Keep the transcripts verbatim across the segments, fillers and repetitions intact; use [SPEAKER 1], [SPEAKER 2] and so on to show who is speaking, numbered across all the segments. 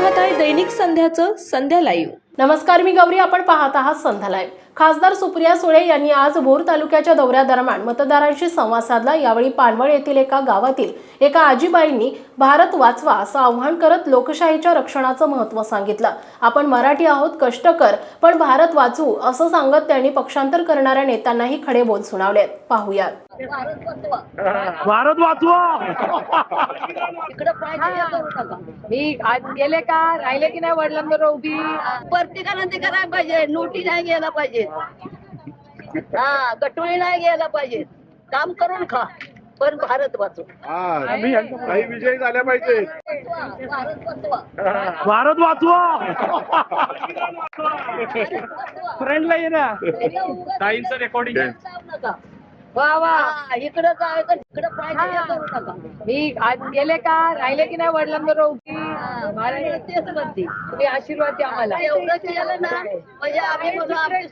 [SPEAKER 1] पाहत आहे दैनिक संध्याचं संध्या लाईव्ह।
[SPEAKER 2] नमस्कार, मी गौरी, आपण पाहत आहात संध्या लाईव्ह। खासदार सुप्रिया सुळे यांनी आज भोर तालुक्याच्या दौऱ्यादरम्यान मतदारांशी संवाद साधला। यावेळी पानवळ येथील एका गावातील एका आजीबाईंनी भारत वाचवा असं आवाहन करत लोकशाहीच्या रक्षणाचं महत्त्व सांगितलं। आपण मराठी आहोत, कष्टकर, पण भारत वाचवू असं सांगत त्यांनी पक्षांतर करणाऱ्या नेत्यांनाही खडे बोल सुनावलेत। पाहूयात।
[SPEAKER 3] भारत वाचवा।
[SPEAKER 4] मी आज गेले का राहिले की नाही वडिलांबरोबर उभी
[SPEAKER 5] प्रत्येकानं ते करायला पाहिजे। नोटी नाही घ्यायला पाहिजे, हा गटोळी नाही घ्यायला पाहिजे। काम करून खा, पण भारत वाचव।
[SPEAKER 3] काही विजय झाल्या पाहिजे।
[SPEAKER 5] भारत वाचवा,
[SPEAKER 3] भारत वाचवा। फ्रेंडला ये ना ताईंचं रेकॉर्डिंग।
[SPEAKER 4] वा वा
[SPEAKER 5] इकडं काय इकडं पाहिजे करू नका।
[SPEAKER 4] मी आज गेले का राहिले की नाही वडिलांबरोबर उभी
[SPEAKER 5] महाराज तेच म्हणते,
[SPEAKER 4] तुम्ही आशीर्वाद द्या मला।
[SPEAKER 5] एवढं केलं ना म्हणजे आम्ही म्हणून आमची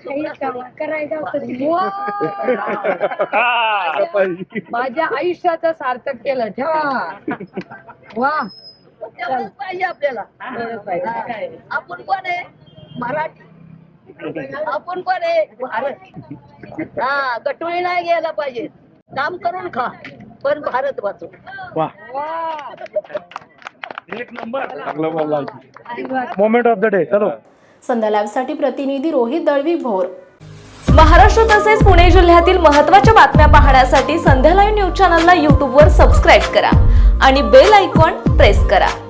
[SPEAKER 4] माझ्या आयुष्याचं सार्थक केलं। ठेवा वा
[SPEAKER 5] तेवढंच पाहिजे आपल्याला। आपण कोण आहे? मराठी। आपण पण आहे भारत, हा गटोळी नाही घ्यायला पाहिजे। काम करून खा, पण भारत वाचव।
[SPEAKER 3] वाह, एक नंबर, चांगलं बोलला। Moment of the day. चलो,
[SPEAKER 2] संध्या लाईव्ह साठी प्रतिनिधी रोहित दळवी, भोर।
[SPEAKER 1] महाराष्ट्र तसेच पुणे जिल्ह्यातील महत्त्वाच्या बातम्या पाहण्यासाठी संध्या लाईव्ह न्यूज चॅनलला यूट्यूबवर सबस्क्राईब करा आणि बेल आयकॉन प्रेस करा।